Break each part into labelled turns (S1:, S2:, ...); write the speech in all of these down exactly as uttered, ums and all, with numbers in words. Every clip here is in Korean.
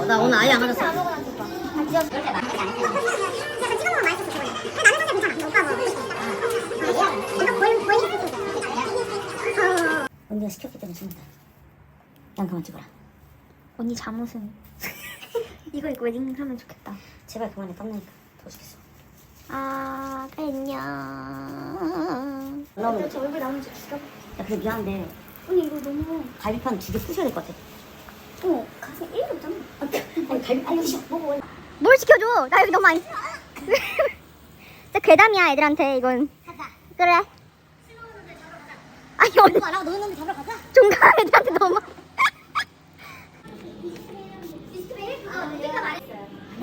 S1: 나 오늘 아예 안 맞았어.
S2: 아무거나 줘봐. 아, 진짜 그렇게 많이 안 해. 약간 찍어 먹으면 맛있었어. 근데 나는 사실 괜찮아. 오빠 뭐. 약간 보이 보이.
S1: 언니가 시켰기 때문에 죽는다. 난 그만 찍어라.
S3: 언니 잠옷은 이거 입고 웨딩 하면 좋겠다.
S1: 제발 그만해. 땀나니까. 더 죽겠어.
S3: 아, 안녕.
S1: 나오면
S3: 저 얼굴 나오면 좀 죽여.
S1: 야 근데 미안한데
S3: 언니 이거 너무.
S1: 갈비판 두 개 부셔야 될 것 같아.
S3: 어, 가슴 일도 없잖아.
S1: 아니 갈비 아니 씨 먹어.
S3: 뭘 시켜줘? 나 여기 너무 많이. 진짜 괴담이야 애들한테 이건.
S2: 가자.
S3: 그래. 아니 언니
S2: 이거 알아? 너 있는데 잡으러 가자.
S3: 종강 애들한테 너무.
S2: 아, 내가 말했어요.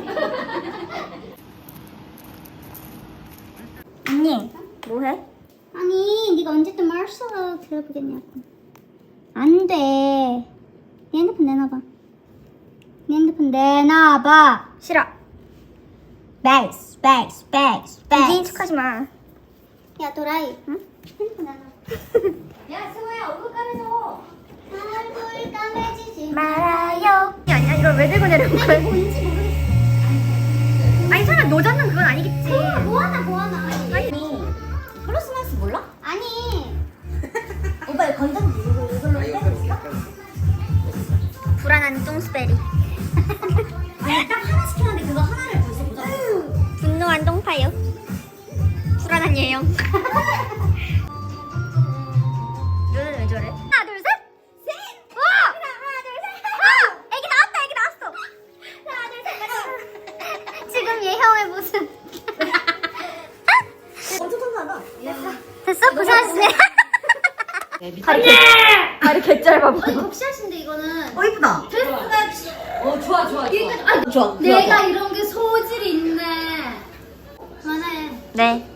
S3: 언니 뭐해?
S2: 아니, 네가 언제 또 마르셀로 들어보겠냐고. 안 돼. 네 핸드폰 내놔봐. 네 핸드폰 내놔봐.
S3: 싫어.
S2: 백스, 백스, 백스,
S3: 이제인 척하지 마.
S2: 야, 도라이. 응? 핸드폰 내놔. 야, 승호야, 얼굴 까매져. 얼굴 까매지지
S3: 말아요. 아니야 이걸 왜 들고 내려온 거야?
S2: 뭔지 모르겠어.
S3: 아니 설마 노젓는 그건 아니겠지.
S2: 어, 뭐하나, 뭐하나.
S3: 아니.
S1: 플러스 마이너스 몰라?
S2: 아니.
S1: 오빠 이거 건전지 이거 이걸로 빼줬어?
S3: 불안한 똥스베리.
S1: 아니 딱 하나 시켰는데 그거 하나를 벌써 보자.
S3: 분노한 똥파요. 불안한 예영. 너는 왜 저래? 하나 둘 셋. 셋. 와. 하나 둘 셋. 와. 애기 나왔다. 애기 나왔어.
S2: 하나, 둘, 셋.
S3: 지금 예형의 모습.
S1: 엄청 천천하다.
S3: 됐어? 고생하셨네.
S1: 다리 다리 개 짧아 보여.
S2: 벅샷인데 이거는.
S1: 어 이쁘다.
S2: 드레스가
S4: 어 좋아 좋아 좋아.
S2: 아,
S1: 좋아.
S2: 내가 이런 게 소질이 있네. 그만해.
S3: 네.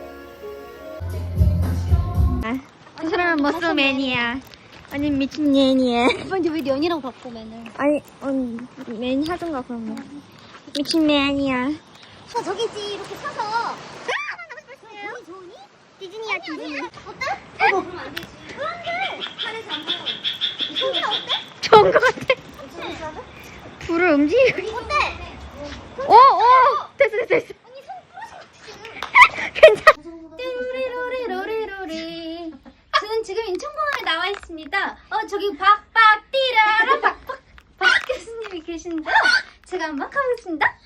S3: 이 사람은 머스맨이야. 아니 미친 년이야.
S2: 근데 왜 연이라고 바꿔 맨날?
S3: 아니 언니 맨 하던가 그런 거. 미친 맨이야.
S2: 저 저기 있지 이렇게 서서. 아, 좋니 좋니?
S3: 디즈니야 디즈니.
S2: 어때? 어, 그럼 안 되지. 그런데 하늘에서 안 보여. 소리 어때?
S3: 좋은 거 같아. 불을 움직이고.
S2: 어때?
S3: 오 오. 됐어 됐어 됐어.
S2: 언니 손 부러진 것 같아 지금.
S3: 괜찮아.
S2: 뚜루리루리루리루리. 저는 지금 인천공항에 나와 있습니다. 어 저기 박박 띠라라 박박 박 교수님이 계신데요. 제가 한번 가보겠습니다.